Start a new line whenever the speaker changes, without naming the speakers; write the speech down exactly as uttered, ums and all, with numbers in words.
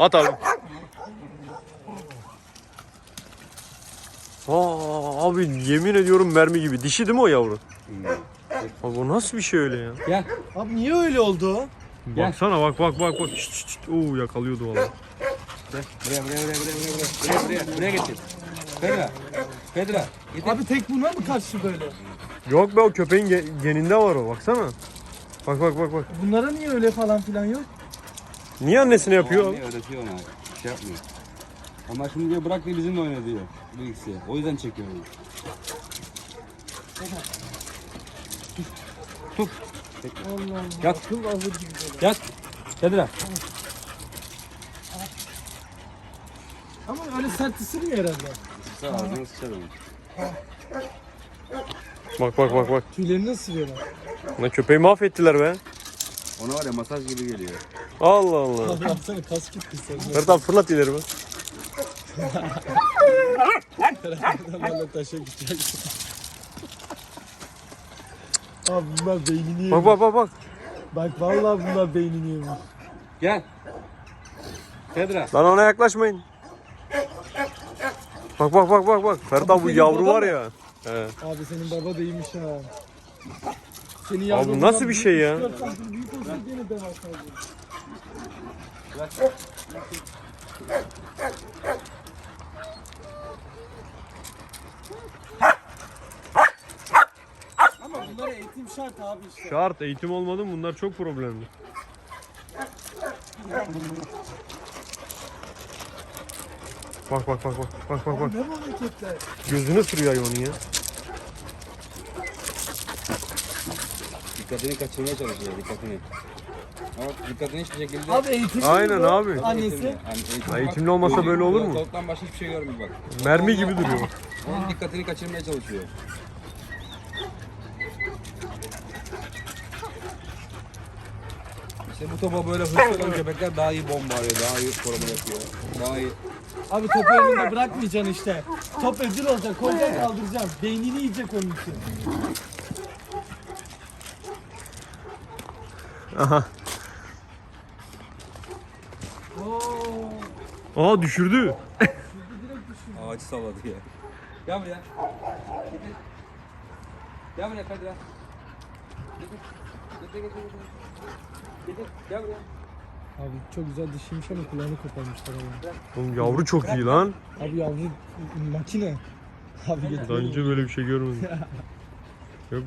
At abi. Aa, abi yemin ediyorum mermi gibi. Dişi değil mi o yavru? Abi o nasıl bir şey öyle ya?
Gel.
Abi niye öyle oldu?
Baksana bak bak bak bak. Şşt, şşt, şşt. Oo yakalıyordu vallahi.
Gel. Buraya buraya buraya buraya buraya buraya buraya buraya getir. Pedra. Pedra. Getir.
Abi tek buna mı karşı böyle?
Yok be o köpeğin ge- geninde var o baksana. Bak bak bak bak.
Bunlara niye öyle falan filan yok?
Niye annesine yapıyor?
Anne öğretiyor ona. Bir şey yapmıyor. Ama şimdi diyor bırak diye bizimle oyna diyor. Bu ikisi. O yüzden çekiyor onu. Tut. Tut.
Allah Allah.
Yat.
Akıl alır gibi böyle.
Yat. Pedra.
Ama öyle sert ısırmıyor herhalde.
Sağ ağzına sıçar onu.
Bak bak bak bak.
Tüylerini ısırıyorlar.
Lan köpeği mahvettiler be.
Ona var ya masaj gibi geliyor.
Allah Allah.
Abi yapsana kas gitti sen.
Ferhat abi fırlat ileri bak.
Valla taşa gidecek. Abi bunlar beynini yemiş.
Bak bak bak bak.
Bak vallahi bunlar beynini yemiş.
Gel. Pedra.
Lan ona yaklaşmayın. Bak bak bak bak bak. Ferhat abi bu
senin
yavru
baba
var
mı?
ya. He.
Abi senin baba da iyiymiş ha. Senin
Abi
yavrun
bu nasıl
bundan
bir şey ya?
üç dört santim büyük olsa gene ben alsaydım. Ama bunlara eğitim şart abi işte.
Şart eğitim olmadı mı bunlar çok problemli. Bak bak bak bak bak bak bak.
Ne bu hareketler?
Gözüne sürüyor hayvanın ya.
Dikkatini kaçırmaya çalışıyor. Dikkatini. Ama dikkatini hiçbir şekilde...
Abi eğitim
Aynen abi.
Annesi.
Yani eğitim-
Eğitimli olmasa böyle olur mu?
Tavuktan başka hiçbir şey görmüyor bak.
Mermi gibi duruyor.
Onun dikkatini kaçırmaya çalışıyor. İşte bu topa böyle hırslı olan köpekler daha iyi bomba arıyor, daha iyi koruma yapıyor. Daha iyi.
Abi topu elinde bırakmayacaksın işte. Top ödül olacak, koyacaksın kaldıracaksın. Beynini yiyecek onun için.
Aha.
Oo.
Aa düşürdü.
Ağacı salladı ya. Gel buraya. Getir. Gel buraya Kadir. Getir. Getir getir getir. Getir. Gel buraya.
Abi çok güzel dişiymiş ama kulağını koparmışlar ama.
Oğlum yavru çok iyi lan.
Abi yavru makine. Abi
Daha
getirelim.
önce böyle bir şey görmedim.